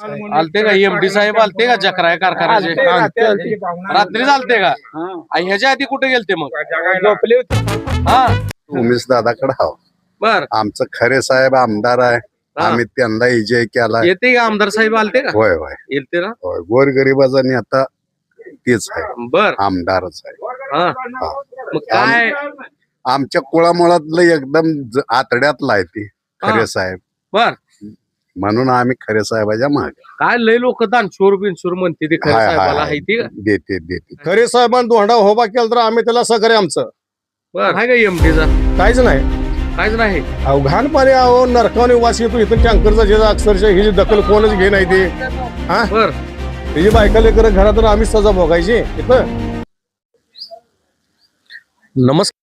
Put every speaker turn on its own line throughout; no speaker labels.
आलते का एमडी साहेब आलते का जकराय कारखान्याचे रात्री चालते का ह्याच्या आधी कुठे गेलते मग
झोपले होते.
हा
उमेश दादाकडे हाव.
बर
आमचं खरे साहेब आमदार आहे. आम्ही त्यांना विजय केला.
येते का आमदार साहेब आलते का
होय होय
येते ना
होय. गोरगरिबाचा नेता तेच आहे,
बर
आमदारच आहे.
हा मग काय
आमच्या कुळामुळातलं एकदम आतड्यातला आहे ते खरे साहेब.
बर
म्हणून आम्ही खरे साहेबाच्या मागे.
काय लय लोक दानशूर बिनशूर म्हणते ते खरं
हाय, हाय,
साहेबाला
हाय.
आहे ती का
देते देते.
खरे साहेबांनी धोंडा होबा केला तर आम्ही त्याला सहकार्य आमचं
बर आहे का एमडीचा
काहीच नाही.
काहीच नाही
घाण पाणी आहो नरकावने वास येतो इथं टँकरचा जे अक्षरशः ही जी दखल कोणच घे नाही ते हा
बर
ही बायका लेकर घरात तर आम्हीच सजा भोगायची इथं.
नमस्कार.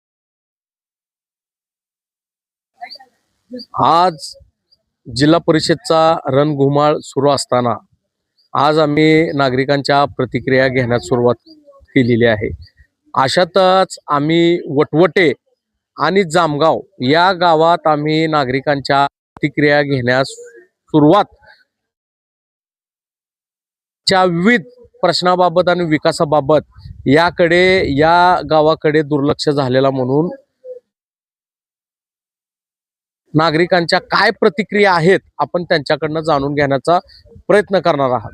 आज जिल्हा परिषदचा रणधुमाळ सुरू असताना आज आम्ही नागरिकांच्या प्रतिक्रिया घेण्यास सुरुवात केलेली आहे. अशातच आम्ही वटवटे आणि जामगाव या गावात आम्ही नागरिकांच्या प्रतिक्रिया घेण्यास सुरुवात विविध प्रश्नाबाबत आणि विकासाबाबत याकडे या गावाकडे दुर्लक्ष झालेला म्हणून नागरिकांच्या काय प्रतिक्रिया आहेत आपण त्यांच्याकडनं जाणून घेण्याचा प्रयत्न करणार आहात.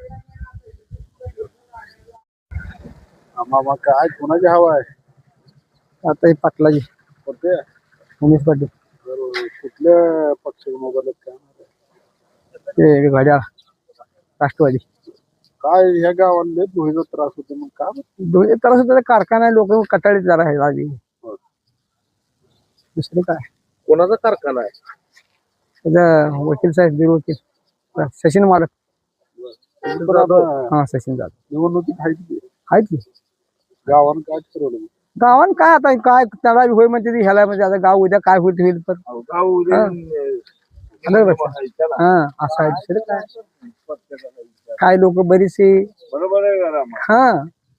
मामा काय कोणाची हवा आहे
आता हे पाटलाजी
कोणते
उमेश पाटील
कुठल्या पक्षाचे
ते गाड्या राष्ट्रवादी
काय ह्या गावांना धुळीचा त्रास होतो मग का
दोन्ही तर कारखाना लोक कटाळीत जरा आहे आधी दुसरे काय
कोणाचा कारखाना आहे
त्याचा वकील साहेब बीर वकील सचिन मालक हा सचिन जाधव
निवडणुकीत
आहेत की
गावानं काय ठरवलं
गावान काय आता काय त्याला होय म्हणते ती ह्याला म्हणजे आता गाव उद्या काय होईल होईल पण हा असं आहे दुसरं काय काय लोक बरीचसे
बरोबर आहे
हा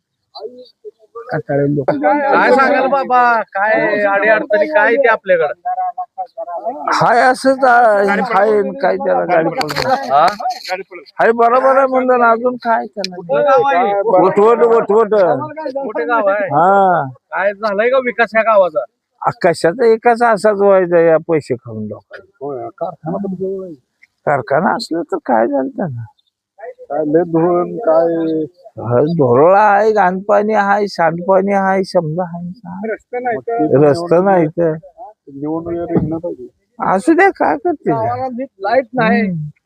कटाळे लोक
काय सांगाल बाबा काय अडी अडचणी काय ते आपल्याकडे
हाय असंच हाय काय त्याला गाडी पडतो हाय बरोबर आहे म्हणलं ना अजून काय त्याला वटवट
मोठे गाव आहे
हा
काय झालंय का विकास या गावाचा
कशाचा एकाच असाच व्हायचा या पैसे खाऊन लोकांना कारखाना असलं तर काय झालं त्यांना
काय लय धुळण काय
धोरळा आहे घाणपाणी आहे सांडपाणी आहे समजा आहे रस्ता नाही तर
निवडणूक
असू द्या काय करते
लाईट नाही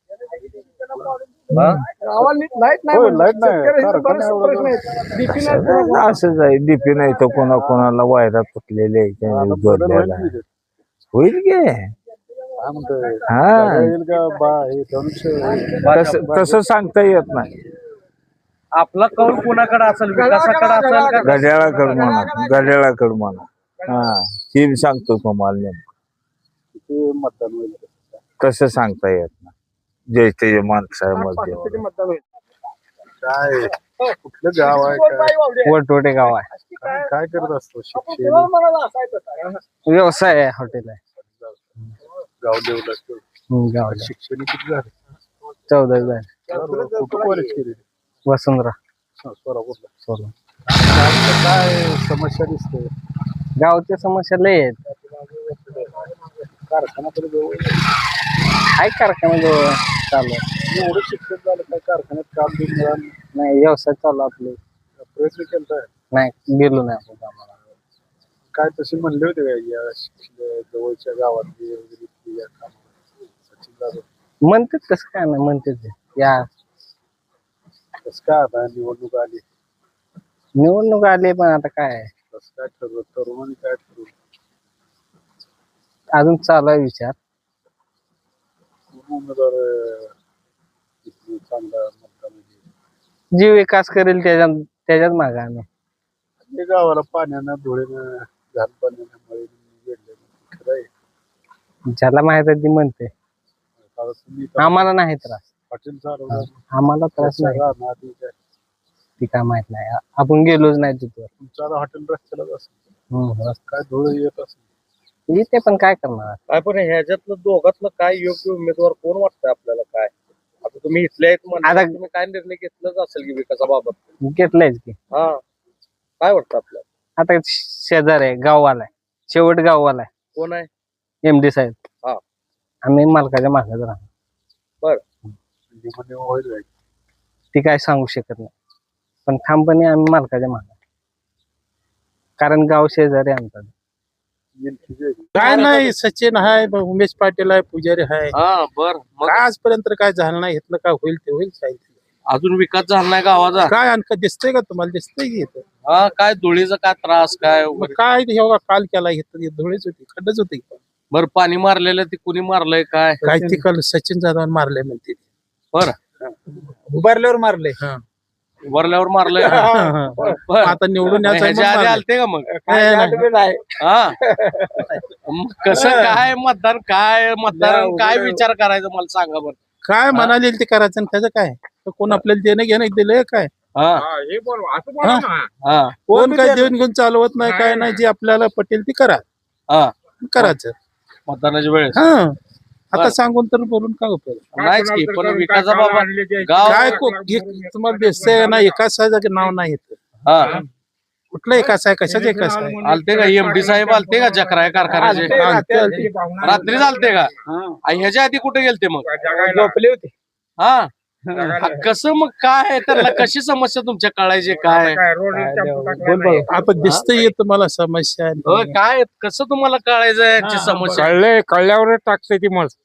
असंच आहे डीपी नाही तर कोणाला वायरा तुटलेले होईल गे हा तसं सांगता येत नाही.
आपला कौल कोणाकडे असेल विकासाकडे असेल का
घड्याळाकड म्हणा हा हे सांगतो तुम्हाला नेमकं
मतदान होईल
तसं सांगता येत नाही जय ते माणसामध्ये
काय कुठलं गाव आहे
वटवटे गाव आहे
काय करत असतो शिक्षण
व्यवसाय आहे हॉटेल आहे
गाव डेव्हलप
गाव
शिक्षण किती झालं
14 झाले
कुठं कॉलेज केले
वसुंधरा
सोलापूरला काय समस्या दिसते
गावच्या समस्या लय आहेत
कारखान्याकडे जवळ
काय कारखाना जवळ चालू
एवढं शिक्षण झालं काय कारखान्यात काम बी मिळालं
नाही व्यवसाय चालू आपले
प्रयत्न केला
नाही गेलो नाही आपण आम्हाला
काय तसे म्हणले होते काय या जवळच्या गावातली वगैरे या कामाला सचिन जाधव
म्हणतात कसं काय नाही म्हणतात या
कसं काय आता निवडणूक आली
निवडणूक आली पण आता काय
कसं काय ठरवलं तरुणांनी काय ठरवलं
अजून चालू आहे विचार
उमेदवार चांगला मतदान
जी विकास करेल त्याच्यात मागे आम्ही
गावाला पाण्यानं धुळेनं घाण पाण्यानं मळे वेढले खरं आहे
ज्याला माहित आहे ती म्हणते
आता तुम्ही
आम्हाला नाही त्रास
हॉटेल चालवलं
आम्हाला त्रास नाही
राहणार ती काय
ती काय माहित नाही आपण गेलोच नाही तिथं
तुमचं आता हॉटेल रस्त्यालाच असेल काय धुळ येत असेल
ते पण काय करणार
काय पण ह्याच्यातलं दोघातलं काय योग्य उमेदवार कोण वाटतंय आपल्याला काय आता तुम्ही इथले आहेत म्हणल्यावर
आता-
तुम्ही काय निर्णय घेतलाच असेल की विकासाबाबत?
घेतलंयच की.
हा, काय वाटतं आपल्याला?
आता शेजार आहे, गाववाला आहे, शेवट गाववाला आहे,
कोण आहे?
MD साहेब.
हा.
आम्ही मालकाच्या मागच राहणार.
होईल काय?
ती काय सांगू शकत नाही, पण ठामपणे आम्ही मालकाच्या मागे, कारण गाव शेजारी आहे आमचा.
काय नाही, सचिन आहे, उमेश पाटील आहे, पुजारी आहे.
हा, बर. मग
काय आजपर्यंत काय झालं नाही, इथलं काय होईल ते होईल. काय
अजून विकास झाला नाही गावाचा?
काय आणखं दिसतंय का तुम्हाला? दिसतंय की इथं?
हा, काय धुळीचा काय त्रास काय
मग काय एवढा काल केला इथं? धुळीच होती, खड्डच होती.
बर, पाणी मारलेलं ते कुणी मारलंय काय?
काय ते काल सचिन जाधव मारले म्हणते.
बर,
उभारल्यावर मारले.
वरल्यावर मारलंय. बर.
आता निवडून यायचं
ह्याच्या आधी आलते का मग? हा, मग कसं काय मतदार काय विचार करायचा मला सांगा बरं.
काय म्हणाले ते करायचं आणि त्याचं काय? कोण आपल्याला देणं घेणं दिलंय काय?
हा, हा,
कोण काय देऊन घेऊन चालवत नाही, काय नाही. जे आपल्याला पटेल ते करा,
हा.
करायचं.
मतदानाच्या वेळेस
हा, आता सांगून तर बोलून काय उपयोग?
नाहीच की, पण विकासाबाबत गाव
काय तुम्हाला दिसतंय ना? एकाच नाव नाही येत.
हा,
कुठलं एकाच आहे? कशाच एकाच आहे?
आलते का MD साहेब? आलते का जकराय कारखान्याचे? रात्री चालते का? ह्याच्या आधी कुठे गेलते मग?
झोपले होते.
हा, कसं मग काय त्यांना कशी समस्या तुमच्या कळायची काय?
आता दिसतंय येत मला समस्या.
काय कसं तुम्हाला कळायचं याची समस्या?
कळल्यावर टाकते ती मग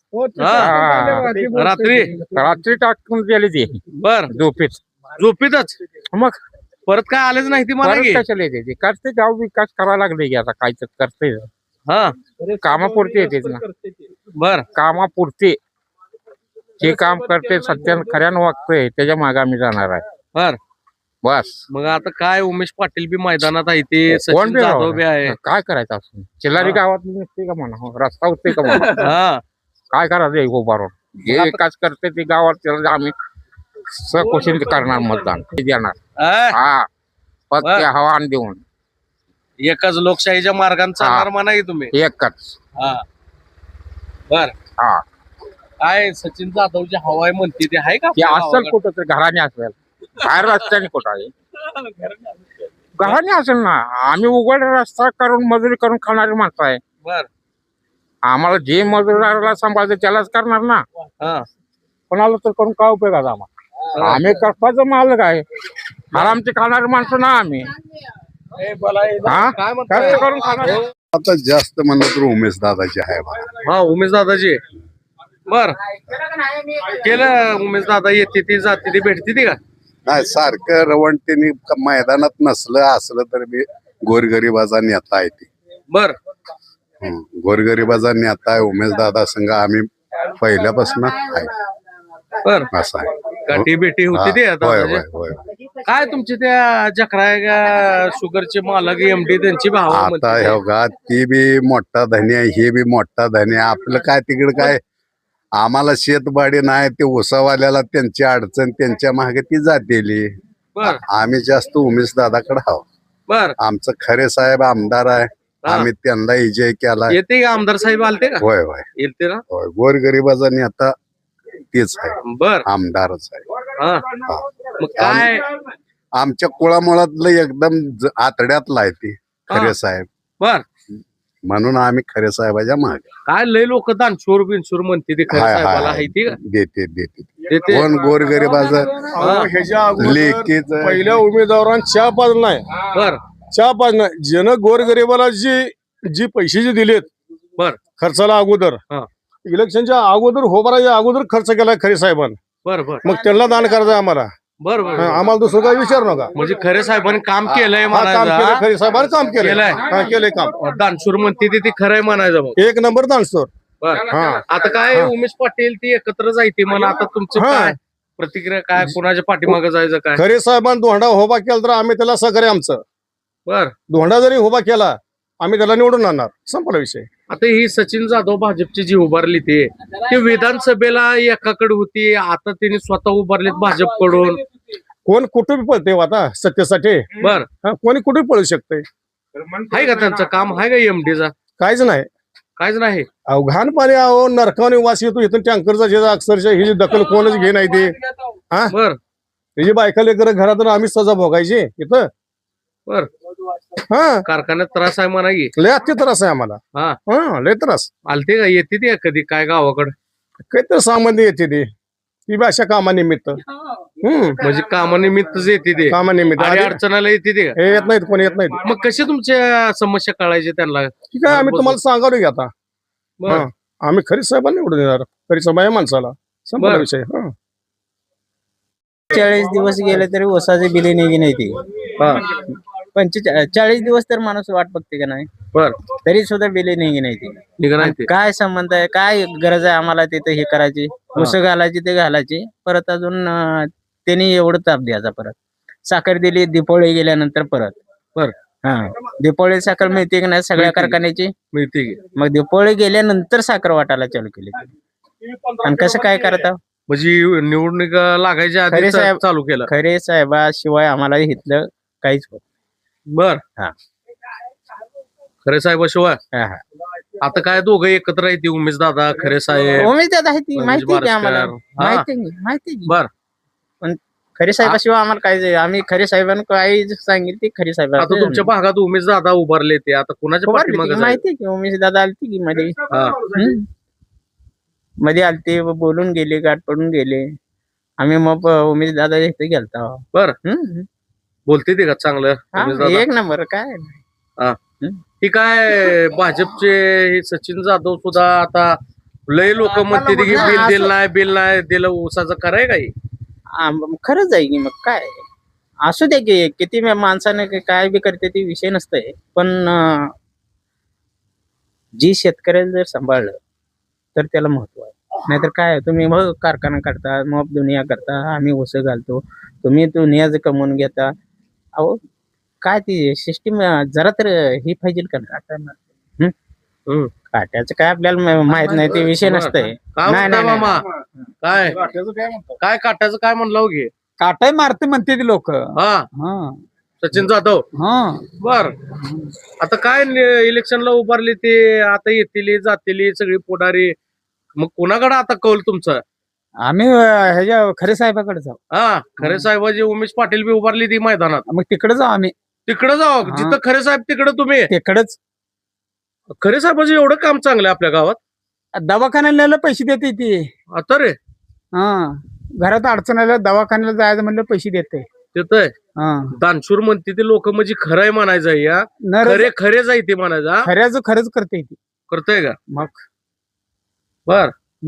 रात्री
रात्री टाकून गेली ती
बर, झोपीतच
मग
परत काय आलेच नाही ती मला की?
कशाला येते ती? करते, गाव विकास करायला लागले की आता काय तर करते.
हा,
कामापुरते येते ना,
बर,
कामापुरते जे काम करते सत्य खऱ्यानं वागतंय त्याच्या मागे आम्ही जाणार आहे.
बर.
बस.
मग आता काय उमेश पाटील बी मैदानात आहे, ते
कोण
सचिन
बी
जाधव बी आहे.
काय करायचं असं? चिल्लारी गावात नसते का म्हणा, रस्ता होते का म्हणा,
हा,
काय करायचं उभारून? जे विकास करते ते गावात त्याला आम्ही सकुशील करणार, मतदान देणार. हा, फक्त हवान देऊन
एकच लोकशाहीच्या मार्गाने चालणार म्हणा की तुम्ही?
एकच.
हा, बर.
हा,
काय सचिन जाधवची हवाय म्हणते ते आहे का
ते
आपल्या
असेल
गावाकडे?
कुठं तर घराने असेल, बाहेर रस्त्याने कुठं आहे? घराने असेल ना. आम्ही उघड रस्ता करून मजुरी करून खाणारी माणसं आहे.
बर.
आम्हाला जे मजुराला सांभाळते त्यालाच करणार ना,
हा,
कोणाला तर करून काय उपयोगाचा आम्हाला? आम्ही कष्टाचं मालक आहे, आरामची खाणारी माणसं ना आम्ही. हा,
काय म्हणताय?
कष्ट करून खाणार.
आता जास्त म्हणलं तर उमेश दादाची आहे बघा.
हा, उमेश दादाजी. बर, केलं उमेश दादा? येते ती जाते ती भेटते ती का?
नाही, सारखं रवंटीने मैदानात नसलं असलं तर मी गोरगरिबाचा नेता आहे ती.
बर,
गोरगरिबाचा नेता आहे उमेश दादा संघ आम्ही पहिल्यापासून आहे.
बर.
असं आहे.
गाठी भेटी होती ते आता?
होय होय होय.
काय तुमचे त्या जकराय शुगरचे मालक MD त्यांची भाव
आता हे बघा, ती बी मोठा धनी आहे, हे बी मोठा धनी आहे. आपलं काय तिकडे काय, आम्हाला शेतबाडी नाही, ते उसावाल्याला त्यांची अडचण, त्यांच्या मागे ती जातेली.
बर,
आम्ही जास्त उमेश दादाकडे आहोत.
बर.
आमचं खरे साहेब आमदार आहे, आम्ही त्यांना विजय केला.
येते का आमदार साहेब? आलते का?
होय होय
येते ना?
होय. गोरगरिबाचा नेता तेच आहे,
बर.
आमदारच आहे.
हा, मग काय
आमच्या कुळामुळातलं एकदम आतड्यातला आहे ते खरे साहेब,
बर,
म्हणून आम्ही खरे साहेबाच्या मागे.
काय लय लोक दानशूर बिनशूर म्हणते ते खरं
हाय, हाय,
साहेबाला
हाय.
आहे ती का?
देते देते
देते.
कोण गोरगरिबाचं
ह्याच्या अगोदर
लेकीच
पहिल्या उमेदवारांना चहा पाजलं नाही,
बर,
चहा पाजलं नाही. ज्यानं गोरगरिबाला जी पैसे जे दिलेत
बर,
खर्चाला अगोदर,
हा.
इलेक्शनच्या अगोदर होबाराच्या अगोदर खर्च केलाय खरे साहेबांनी.
बर, बर,
मग त्यांना दान करायचं आम्हाला.
बर, बर.
आम्हाला दुसरं काही विचार नका.
म्हणजे खरे साहेबांनी काम केलंय
हा, काम केलं
म्हणायचं?
खरे साहेबांनी, काम केलंय.
केलंय.
हा, केलंय काम.
दानशूर म्हणते ते खरंय म्हणायचं मग?
एक नंबर दानसोर.
बर.
हा.
आता काय उमेश पाटील ती एकत्र जायते म्हणा, आता तुमचं
हा.
काय प्रतिक्रिया? काय कुणाच्या पाठीमागे जायचं काय?
खरे साहेबांनी धोंडा उभा केला तर आम्ही त्याला सहकार्य आमचं.
बर.
धोंडा जरी उभा केला आम्ही त्याला निवडून आणणार, संपला विषय.
आता ही सचिन जाधव भाजपची जी उभारली ते विधानसभेला एकाकडे होती, आता त्यांनी स्वतः उभारलीत भाजपकडून.
कोण कुठे पळते आता सत्तेसाठी?
बर,
कोणी कुठे पळू शकते?
आहे का त्यांचं काम? आहे का MDचा?
काहीच नाही.
काहीच नाही.
घाण पाणी अहो नरकाने वास येतो इथून टँकरचा अक्षरशः ही जी दखल कोणच घे नाही ते हा
बर
त्याची बायका लेकर घरातून आम्हीच सजा भोगायची इथं
बर
हा
कारखान्यात त्रास आहे म्हणा की.
लय अति त्रास आहे आम्हाला
हा
हा लय त्रास
आलते का येते ते कधी काय गावाकडे
काहीतरी सामान्य येते ती बी अशा कामानिमित्त
म्हणजे कामानिमित्तच येते ते.
कामानिमित्त
आणि
आधी-
अडचणाला येते ते का?
हे येत नाहीत कोणी येत नाहीत
मग कशी तुमच्या समस्या कळायची त्यांना?
ठीक आहे आम्ही तुम्हाला सांगावं की आता
बर
हा. आम्ही खरी साहेबांना निवडून देणार खरी साहेब आहे माणसाला संपला
बरं.
विषय हा
40 दिवस गेले तरी ओसाचे बिले निघी नाही ती.
हा
40 दिवस तर माणूस वाट बघते का नाही,
बर
तरी सुद्धा बिले निघी नाही ती.
ठीक नाही ते.
काय संबंध आहे, काय गरज आहे आम्हाला तिथे हे करायची, ऊस घालायची ते घालायची, परत अजून त्यांनी एवढं ताप द्यायचा. परत साखर दिली दिपोळी गेल्यानंतर परत
बर
हा दिपोळी साखर मिळते की नाही सगळ्या
मिळते.
कारखान्याची.
मिळते की.
मग दिपोळी गेल्यानंतर साखर वाटायला चालू केली. आणि कसं काय करता
म्हणजे निवडणूक लागायच्या आधी
खरे साहेब-
चालू केलं.
खरे साहेबाशिवाय आम्हाला इथलं काहीच होत
बर
हा.
खरे साहेबाशिवाय
हा, हा.
आता काय दोघं एकत्र येते उमेश दादा खरे साहेब.
उमेद दादा आहे ती
म्हणजे
माहिती आहे की आम्हाला,
बारसकर. हा.
माहिती आहे की, माहिती आहे की.
बर
पण खरे साहेबाशिवाय आम्हाला काय आम्ही खरे साहेबांना काही सांगितलं ते खरे साहेब
आता तुमच्या भागात उमेश दादा उभारले ते आता कुणाच्या पाठीमागे जायचं?
माहिती आहे की उमेश दादा आलती की मध्ये
हा.
मध्ये आलते बोलून गेले, गाठ पडून गेले. आम्ही मग उमेश दादा इथे गेलता.
बर बोलते ते का चांगलं उमेश दादा?
एक नंबर काय
ही काय भाजपचे हे सचिन जाधव सुद्धा आता लय लोक म्हणते की बिल नाही दिलं ऊसाचं कराय काही.
खरंच आहे की मग काय असू दे की किती माणसाने काय बी करते ते विषय नसतंय. पण जी शेतकऱ्याला जर सांभाळलं तर त्याला महत्व आहे. नाहीतर काय तुम्ही मग कारखाना करता, मग दुनिया करता, आम्ही ऊस घालतो, तुम्ही दुनियाच कमवून घेता. अहो काय ती सिस्टीम जरा तर ही पाहिजे का काट्याचं काय आपल्याला माहित नाही ते विषय नसतंय.
काय
नाही,
म्हणता
नाही,
मामा काय काय काटायचं काय म्हणलं घे
काटाय मारते म्हणते ती लोक
हा सचिन जाधव. बर आता काय इलेक्शनला उभारले ते आता येतील जातील सगळी पुढारी. मग कोणाकडे आता कौल तुमचा?
आम्ही ह्याच्या खरे साहेबाकडे जाऊ.
हा खरे साहेबाजी उमेश पाटील बी उभारली ती मैदानात.
मग तिकडे जाऊ आम्ही.
तिकडे जाऊ
हा.
जिथं खरे साहेब तिकडे तुम्ही.
तिकडेच
खरे साहेबाचं एवढं काम चांगलं आहे आपल्या गावात.
दवाखान्याला पैसे देते ती.
आता रे
हा घरात अडचण आल्या दवाखान्याला जायचं म्हणलं पैसे देते.
तिथं
हा
दानशूर म्हणते ते लोक म्हणजे खरंय म्हणायचं या
नर
खरे खरे जायते म्हणायचं.
खऱ्याच खरंच करते ती.
करतोय का
मग
बर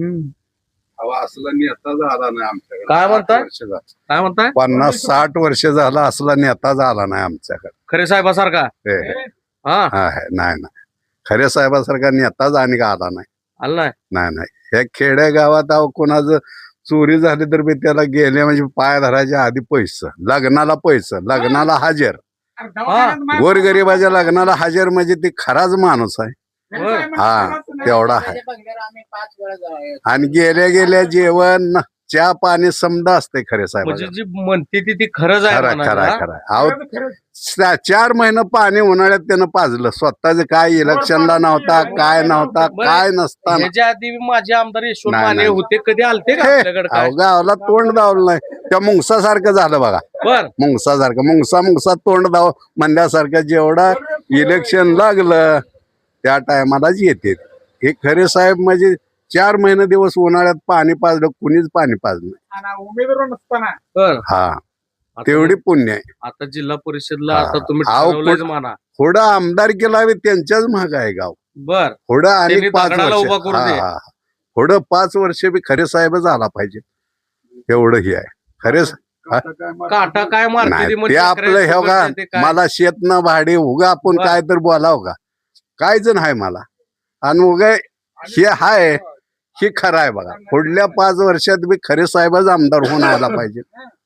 असला नेता झाला नाही आमच्याकडे.
काय म्हणताय?
60 वर्ष झालं.
काय म्हणताय?
50-60 वर्ष झालं असला नेता झाला नाही आमच्याकडे.
खरे साहेबासारखा
हे,
हा
हा, हे, नाही नाही खऱ्या साहेबासारखा नेताच आणि का आला नाही.
आला नाही.
नाही नाही हे खेड्या गावात अहो कोणाचं चोरी झाली तर बी त्याला गेले म्हणजे पाय धरायच्या आधी पैसे, लग्नाला पैसे, लग्नाला हजर, गोरगरिबाच्या लग्नाला हजर म्हणजे ती खराच माणूस आहे. हा तेवढा आहे. आणि गेल्या गेल्या जेवण चहा पाणी समजा असते खरे साहेब.
म्हणजे जी म्हणते ती खरंच आहे
खरं
म्हणायचं,
खरं खरं अहो 4 महिने पाणी उन्हाळ्यात त्यानं पाजलं. स्वतःच काय इलेक्शनला नव्हता, काय नव्हता, काय
हा?
नसताना
ह्याच्या आधी माझे आमदार यशवंत
नाही,
माने
नाही.
होते, कधी आलते का आपल्याकडे काय?
अहो गावाला तोंड दावलं नाही. त्या मुंगसासारखं झालं बघा.
बर
मुंगसासारखं मुंगसा तोंड दाव म्हणल्यासारखं जेवढा इलेक्शन लागलं त्या टायमालाच येते. हे खरे साहेब म्हणजे 4 महिने दिवस उन्हाळ्यात पाणी पाजलं, कुणीच पाणी पाजलं नाही.
उमेदवार नसताना
बर
हा
आता-
तेवढी पुण्य आहे.
आता जिल्हा परिषदला
हा.
आता तुम्ही
अहो,
ठरवलंच
कुठं-
म्हणा.
थोडं आमदार केला त्यांच्याच महाग आहे गाव.
बर
थोडं आणि
त्यांनी
5
दगडाला
वर्ष
उभा करू दे.
हा, हा. थोडं 5 वर्ष बी खरे साहेबच आला पाहिजे. एवढं हे आहे खरे
काटा काय मारते
नाही
ती
ते
म्हणजे
आपलं हे बघा
ते काय?
मला शेत न भाडे उगा आपण
बरं.
काय तर बोलाव का कायच नाही मला. आणि उगा हे हाय हे खरं आहे बघा. पुढल्या 5 वर्षात बी खरे साहेबच आमदार होऊन आला पाहिजे.